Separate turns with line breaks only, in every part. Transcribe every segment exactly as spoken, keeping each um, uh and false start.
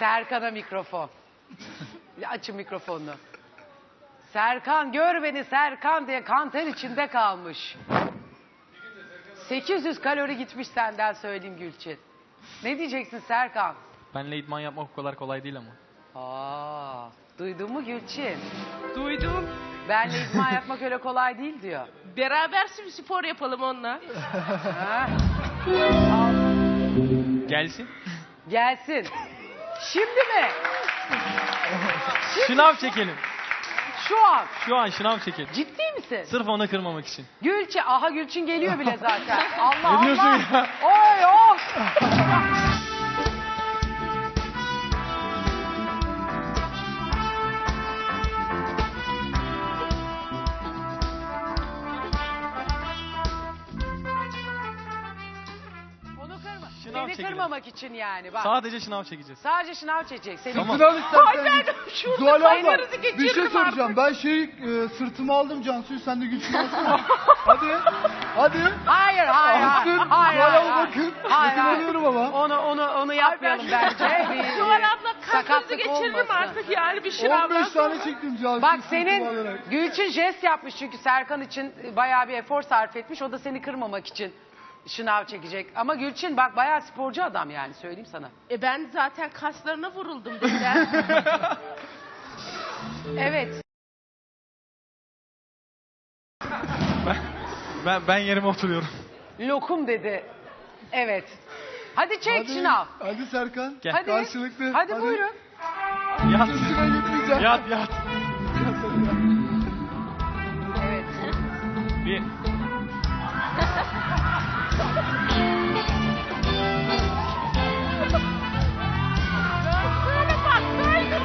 Serkan'a mikrofon. Açın mikrofonunu. Serkan gör beni Serkan diye kanter içinde kalmış. sekiz yüz kalori gitmiş senden söyleyeyim Gülçin. Ne diyeceksin Serkan?
Benle idman yapmak o kadar kolay değil ama.
Aa, duydun mu Gülçin?
Duydum.
Benle idman yapmak öyle kolay değil diyor.
Beraber spor yapalım onunla.
Ha? Al,
Gelsin.
gelsin. Şimdi mi?
Şınav çekelim.
Şu an.
Şu an şınav çekelim.
Ciddi misin?
Sırf onu kırmamak için.
Gülçin, aha Gülçin geliyor bile zaten. Allah
Ne diyorsun
Allah.
ya?
Oy oh. Onu kırma.
Şınav
Seni
çekelim.
kırmamak için yani. Bak.
Sadece şınav çekeceğiz.
Sadece şınav çekecek. Seni
Tamam.
Sınav istersen.
Ay ben şurada
Zuhal abla
kaynarızı
bir şey
geçiririm
soracağım.
artık.
Ben şey e, sırtıma aldım Cansu'yu, sen de güçlü alsana. Hadi. Hadi.
Hayır, hayır, hayır.
Alsın.
Hayır,
Zuhal
hayır,
abla
hayır.
bakın.
Hayır,
Bakın
hayır.
alıyorum ama.
Onu onu onu yapmayalım bence. Bir,
Zuhal abla kalkınızı
sakatlık
geçiririm
olmasın.
artık yani bir
on
şınavdan
beş
sonra.
tane çektim Cansu'yu.
Bak
sırtıma
senin
alarak.
Gülçin jest yapmış çünkü Serkan için bayağı bir efor sarf etmiş. O da seni kırmamak için şınav çekecek. Ama Gülçin bak bayağı sporcu adam yani söyleyeyim sana.
E ben zaten kaslarına vuruldum bizden.
Evet.
Ben, ben, ben yerime oturuyorum.
Lokum dedi. Evet. Hadi çek
Hadi.
şınav.
Hadi Serkan.
Gel.
Hadi.
Karşılıklı.
Hadi, buyurun.
Yat.
Üstüne gitmeyeceğim.
Yat yat.
Evet.
Bir.
Böyle baksaydım.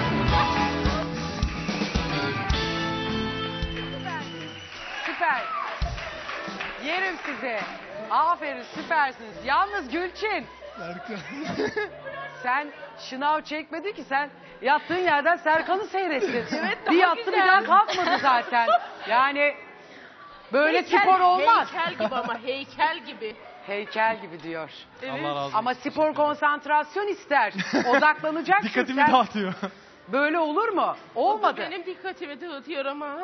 Süper. Yerim sizi. Aferin süpersiniz. Yalnız Gülçin
Serkan.
sen şınav çekmedi ki sen yattığın yerden Serkan'ı seyrettin.
Evet,
bir
daha
yattı bir
güzel.
daha kalkmadı zaten. Yani böyle
Heykel-
spor olmaz.
Heykel gibi ama heykel gibi.
Heykel gibi diyor.
Evet.
Allah razı olsun.
Ama spor konsantrasyon ister. Odaklanacaksın
Dikkatimi
sen.
dağıtıyor.
Böyle olur mu? Olmadı.
Benim dikkatimi dağıtıyor ama.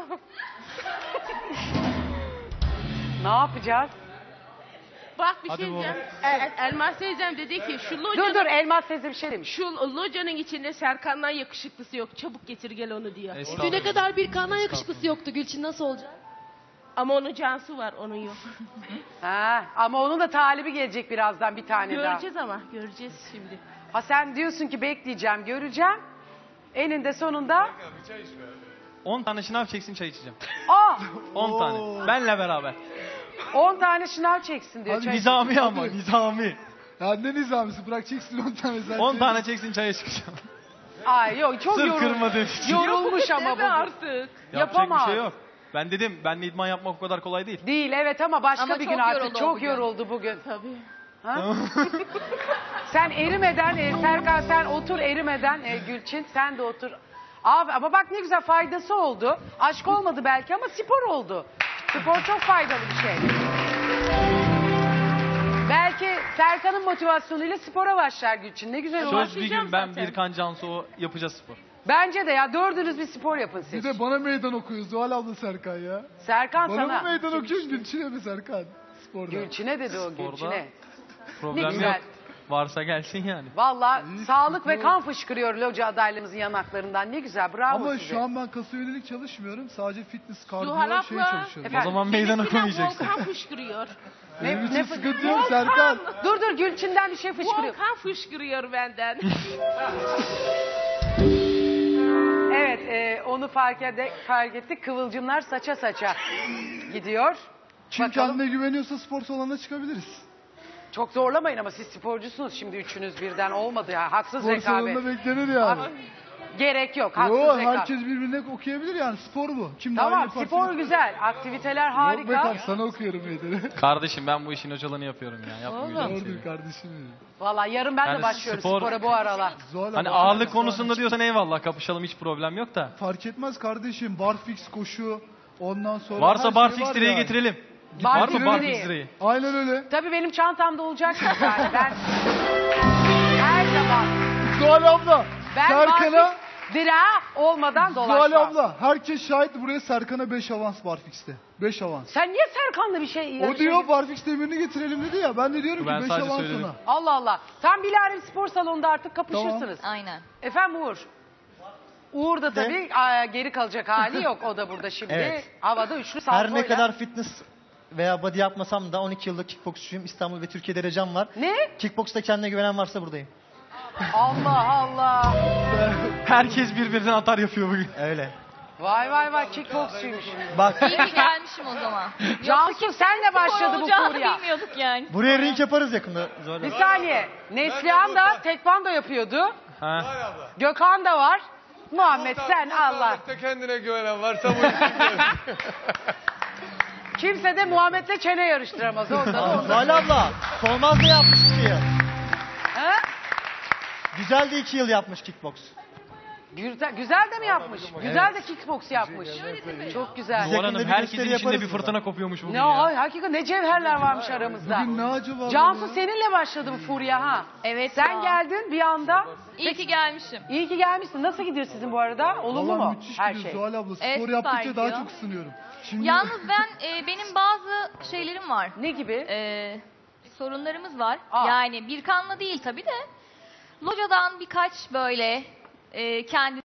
Ne yapacağız?
Bak bir
Hadi
şey
baba.
diyeceğim. El- Elmas teyzem dedi ki şu
Dur
locanın,
dur Elmas teyze bir şey demiş.
şu locanın içinde Serkan'dan yakışıklısı yok. Çabuk getir gel onu diyor.
Estağfurullah.
Düne kadar bir kandan yakışıklısı yoktu Gülçin, nasıl olacak?
Ama onun cansı var, onun yok.
Ha, ama onun da talibi gelecek birazdan bir tane daha.
Göreceğiz ama, göreceğiz şimdi.
Ha sen diyorsun ki bekleyeceğim, göreceğim. Eninde sonunda.
on tane şınav çeksin çay içeceğim.
Aa,
on tane. Benle beraber.
on tane şınav çeksin diyor.
Hadi
çay-
Nizami ama nizami.
Ya ne nizamisi, bırak çeksin on tane sen.
on tane çeksin çaya çıkacağım.
Ay yok çok
Sırf
yorul-
kırmadığım için.
yorulmuş ama
Deme
bu.
artık.
Yapacak
Yapamaz.
bir şey yok. Ben dedim benle idman yapmak o kadar kolay değil.
Değil evet ama başka
Ama
bir
çok
gün artık
yoruldu o
çok
bugün.
yoruldu bugün.
Tabii.
Ha? Sen erimeden e, Serkan sen otur erimeden e, Gülçin sen de otur. Abi, ama bak ne güzel faydası oldu. Aşk olmadı belki ama spor oldu. Spor çok faydalı bir şey. Belki Serkan'ın motivasyonuyla spora başlar Gülçin. Ne güzel olur.
Söz bir gün ben
zaten.
Birkan Cansu o yapacağız spor.
Bence de ya dördünüz bir spor yapın siz.
Bir de bana meydan okuyor Zuhal abla Serkan ya.
Serkan
Bana
sana.
mı meydan okuyorsun Gülçin'e mi Serkan? Sporda.
Gülçin'e dedi o
Sporda.
Gülçin'e.
Problem
güzel.
yok. Varsa gelsin yani.
Valla
İyi,
sağlık ve
spor.
kan fışkırıyor loca adaylarımızın yanaklarından. Ne güzel bravo
Ama
size.
şu an ben kasa yönelik çalışmıyorum. Sadece fitness, kardiyo
Zuhal
şey
abla.
çalışıyorum.
Efendim?
O zaman meydan
Benimkine
okumayacaksın.
Volkan fışkırıyor.
Benim
Ne-
için
ne-
sıkıntı yok Serkan.
Dur dur Gülçin'den bir şey fışkırıyor.
Volkan fışkırıyor benden.
Evet e, onu fark, ede, fark ettik. Kıvılcımlar saça saça gidiyor.
Kim
Bakalım.
kendine güveniyorsa spor salonuna çıkabiliriz.
Çok zorlamayın ama siz sporcusunuz şimdi üçünüz birden olmadı ya. Haksız
Spor
rekabet.
salonunda beklenir yani.
Gerek yok haksız
Yo,
rekabet.
herkes birbirine okuyabilir yani, spor bu. Kim daha iyi
Tamam
yaparsa-
spor güzel. Aktiviteler
Yok be
harika.
kardeşim, sana okuyorum meydanı.
Kardeşim ben bu işin hocalığını yapıyorum ya. Yapmayacağım
Doğrudur
seni.
kardeşim benim.
Valla yarın ben de
Yani
başlıyorum
spor-
spora bu aralar.
Zuhal
Hani
abla,
ağırlık
sen-
konusunda diyorsan eyvallah kapışalım hiç problem yok da.
Fark etmez kardeşim. Barfix, koşu, ondan sonra her
Varsa
şey
barfix
var
direği
yani.
getirelim.
Barfix
Var mı barfix
direği.
direği?
Aynen öyle.
Tabii benim çantamda olacak yani ben her zaman
Zuhal abla.
Ben
Serkan'a...
barfix dira olmadan
Zuhal
dolaşmam.
abla. Herkes şahit buraya Serkan'a beş avans Barfix'te. beş avans.
Sen niye Serkan'la bir şey
O diyor Barfix demirini getirelim dedi ya. Ben de diyorum
Ben
ki beş
sadece
avans
söyledim.
ona.
Allah Allah. Tam Bilal'in spor salonunda artık kapışırsınız.
Aynen.
Efendim Uğur. Uğur da tabii aa, geri kalacak hali yok. O da burada şimdi.
Evet.
Havada üçlü
Her
saltoyla.
ne kadar fitness veya body yapmasam da on iki yıllık kickboksçuyum. İstanbul ve Türkiye derecem var.
Ne?
Kickboksta kendine güvenen varsa buradayım.
Allah Allah.
Herkes birbirinden atar yapıyor bugün.
Öyle.
Vay vay vay kickboksçuymuş.
Bak
İyi ki gelmişim o zaman.
Cansu senle başladı bu
olacağını
furya.
bilmiyorduk yani.
buraya ring yaparız yakında. Zuhal
Bir
abla.
saniye. Neslihan da tekvando yapıyordu.
Ha.
Gökhan da var. Muhammed sen Allah.
Kendine güvenen varsa bu işin
Kimse de Muhammed'le çene yarıştıramaz. Ondan
Aa,
ondan.
Zuhal abla. Solmaz da yapmış iki yıl.
Ha?
Güzel de iki yıl yapmış kickboks.
Güzel, güzel de mi yapmış? Güzel de kickbox yapmış. Çok güzel.
Biz
Duvar
yakında
Hanım
bir
herkesin
gösteri
içinde
yaparız
bir fırtına kopuyormuş bugün
Ne
ya.
o, hakikaten ne cevherler varmış aramızda.
Bugün ne acaba?
Cansu
ya?
seninle başladı bu furya ha.
Evet
Sen
ya.
geldin bir anda.
İyi ki gelmişim.
İyi ki gelmişsin. Nasıl gidiyor sizin bu arada? Olumlu
Vallahi
mu?
müthiş
Her
gidiyor
şey.
Zuhal abla. Spor
Evet, süper
yaptıkça daha
gidiyor.
çok ısınıyorum. Şimdi
Yalnız ben e, benim bazı şeylerim var.
Ne gibi?
E, sorunlarımız var.
Aa.
Yani bir kanla değil tabii de. Locadan birkaç böyle e, kendi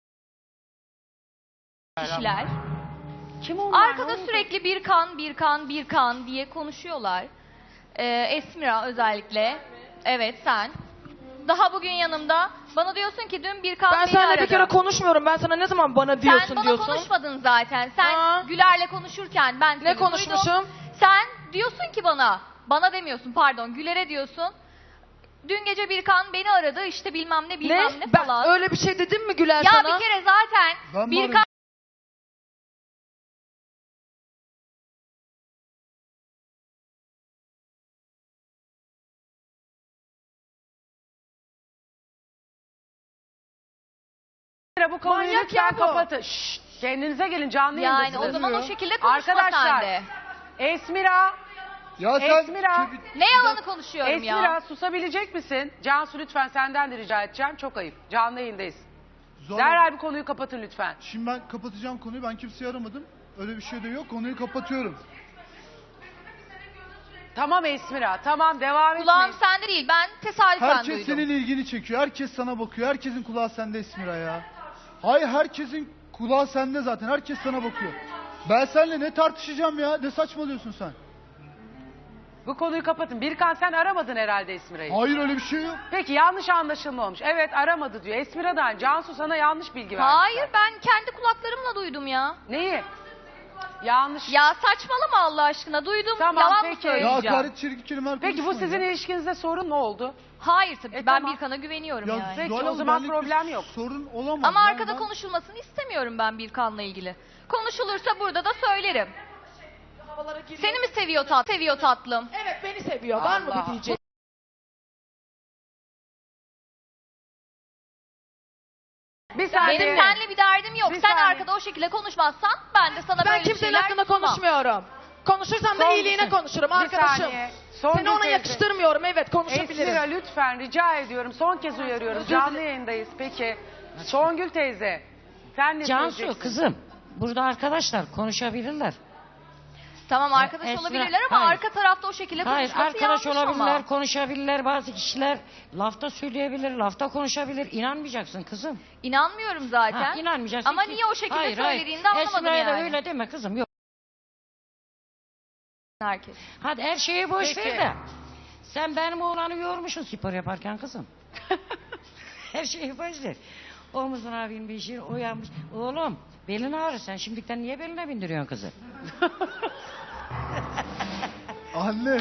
kişiler.
Kim onlar?
Arkada
Ne oldu?
sürekli bir kan, bir kan, bir kan diye konuşuyorlar. Ee, Esmira özellikle. Evet sen. Daha bugün yanımda. Bana diyorsun ki dün bir kan
Ben
beni
seninle
aradı.
bir kere konuşmuyorum. Ben sana ne zaman bana diyorsun
Sen bana
diyorsun.
konuşmadın zaten. Sen
Aa.
Güler'le konuşurken ben seni
Ne konuşmuşum?
duydum. Sen diyorsun ki bana, bana demiyorsun pardon Güler'e diyorsun. Dün gece bir kan beni aradı işte bilmem ne bilmem
Ne?
ne
Ben
falan.
öyle bir şey dedim mi Güler
Ya
sana?
bir kere zaten
Ben mi
bir
aradım?
kan
Bu konuyu
Manyak
lütfen
ya bu.
kapatın. Şşt, kendinize gelin canlı
yani
yayındasınız.
o zaman o şekilde konuşma
Arkadaşlar,
sen de.
Esmira,
ya sen
Esmira.
Ne yalanı konuşuyorum
Esmira
ya.
susabilecek misin? Cansu lütfen senden de rica edeceğim. Çok ayıp. Canlı yayındayız.
Zuhal abla,
Derhal bu konuyu kapatın lütfen.
Şimdi ben kapatacağım konuyu. Ben kimseyi aramadım. Öyle bir şey de yok. Konuyu kapatıyorum.
Tamam Esmira, tamam devam
Kulağım
etmeyin.
sende değil. Ben tesadüfen
Herkes
duydum.
senin ilgini çekiyor. Herkes sana bakıyor. Herkesin kulağı sende Esmira ya. Hayır herkesin kulağı sende zaten. Herkes sana bakıyor. Ben seninle ne tartışacağım ya? Ne saçmalıyorsun sen?
Bu konuyu kapatın. Birkan sen aramadın herhalde Esmira'yı.
Hayır öyle bir şey yok.
Peki yanlış anlaşılma olmuş. Evet aramadı diyor. Esmira'dan Cansu sana yanlış bilgi verdi.
Hayır ben kendi kulaklarımla duydum ya.
Neyi? Yanlış.
Ya saçmalama Allah aşkına duydum.
Tamam,
Yalan
peki.
mı
Ya
söyleyeceğim?
hakaret çirkin kelimeler
Peki bu
konuşmayın
sizin
ya.
ilişkinizde sorun ne oldu?
Hayır tabii
E,
ki. ben
tamam.
Birkan'a güveniyorum
Ya
yani.
Peki,
Zuhal
o
abla,
zaman
benlik bir
problem yok.
Sorun olamaz.
Ama
Yani
arkada
ben-
konuşulmasını istemiyorum ben Birkan'la ilgili. Konuşulursa burada da söylerim.
Havalara giriyor.
Seni mi seviyor tat seviyor tatlım?
Evet beni seviyor. Var mı
Allah.
bir diyecek?
Bir saniye.
Benim seninle bir derdim yok.
Bir
Sen
saniye.
arkada o şekilde konuşmazsan ben de sana
Ben
böyle
kimsenin
şeyler
hakkında
sunmam.
konuşmuyorum. Konuşursam da
Son-
iyiliğine konuşurum
Bir
arkadaşım.
saniye. Son
Seni ona
kez-
yakıştırmıyorum. Evet konuşabilirim.
Esmira lütfen rica ediyorum. Son kez uyarıyorum. Canlı yayındayız. Peki. Songül teyze. Sen ne
Cansu
söyleyeceksin?
kızım burada arkadaşlar konuşabilirler.
Tamam arkadaş
Esra-
olabilirler ama
hayır.
arka tarafta o şekilde
Hayır
konuşması
arkadaş
yanlış
olabilirler,
ama.
konuşabilirler bazı kişiler lafta söyleyebilir, lafta konuşabilir. İnanmayacaksın kızım.
İnanmıyorum zaten.
Ha, inanmayacaksın.
Ama
ki-
niye o şekilde
Hayır, hayır.
söylediğini de anlamadım
Esma'ya da
yani.
öyle deme kızım yok.
Herkes.
Hadi her şeyi boş
Peki.
ver de. Sen benim oğlanı yormuşsun spor yaparken kızım. Her şeyi boş ver. Omuzuna binmiş, uyanmış. Oğlum belin ağrır sen şimdiden niye beline bindiriyorsun kızı?
Anne.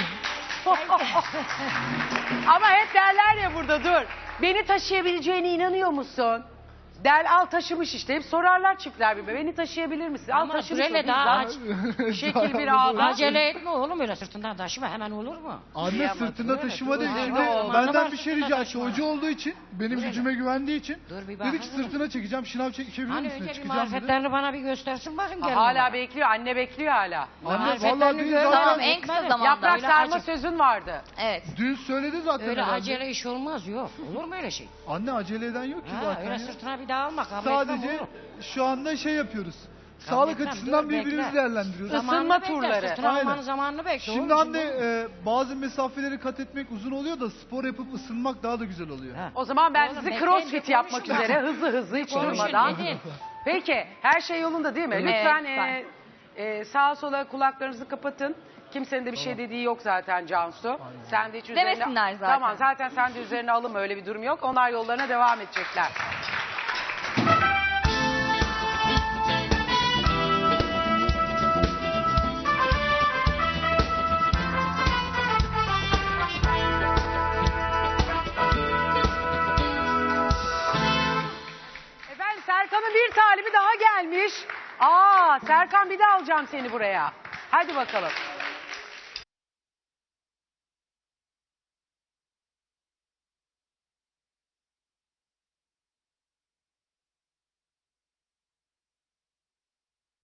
Ama hep derler ya burada dur. Beni taşıyabileceğine inanıyor musun? Del al taşımış işte. Hep sorarlar çiftler bir beni taşıyabilir misin? Al
Ama
taşımış o
sürele
bizden.
daha aç.
Şekil bir ağda.
Acele etme oğlum öyle sırtından taşıma hemen olur mu?
Anne
Kıyamam.
sırtında taşıma değil.
dur,
Şimdi
dur.
benden
Zamanı
bir
var
şey rica etti.
taşıma.
Hoca olduğu için, benim
Dur hele.
gücüme güvendiği için
Dur bir
dedi ki
bakın.
sırtına çekeceğim, şınav çekebilir
Hani
misin?
önce bir
Çıkacağım dedi.
marifetlerini bana bir göstersin bakayım.
Ha,
gelin
hala
bana.
bekliyor. Anne bekliyor hala.
Anne
Marifetlerini
vallahi dün
gör-
zaten
Tamam en kısa
Etmedi.
zamanda.
Yaprak
öyle
sarma
acı-
sözün vardı.
Evet.
dün söyledi zaten.
Öyle
herhalde.
acele iş olmaz yok. Olur mu öyle şey?
Anne acele eden yok ki
Ha,
zaten.
öyle
ya.
sırtına bir daha alma. Kabul
Sadece
etmem oğlum.
şu anda şey yapıyoruz.
Kabul
Sağlık
etmem,
açısından
dur,
birbirimizi
bekle.
değerlendiriyoruz.
Isınma
Zamanını bekle,
turları.
Sırtına
Aynen.
almanın zamanını bekle.
Şimdi
oğlum,
anne
şimdi
e, bazı mesafeleri kat etmek uzun oluyor da spor yapıp ısınmak daha da güzel oluyor.
Ha.
O zaman ben
Oğlum,
sizi
bekleyin,
crossfit
bir
yapmak
konuşun.
üzere hızlı hızlı hiç
Konuşun,
durmadan.
dedin.
Peki her şey yolunda değil mi?
Evet,
Lütfen
lütfen.
e, e, sağa sola kulaklarınızı kapatın. Kimsenin de bir şey dediği yok zaten Cansu. Sen de hiç üzerine...
Demesinler zaten.
Tamam zaten sen de üzerine alınma öyle bir durum yok. Onlar yollarına devam edecekler. Efendim Serkan'ın bir talibi daha gelmiş. Aa Serkan bir de alacağım seni buraya. Hadi bakalım.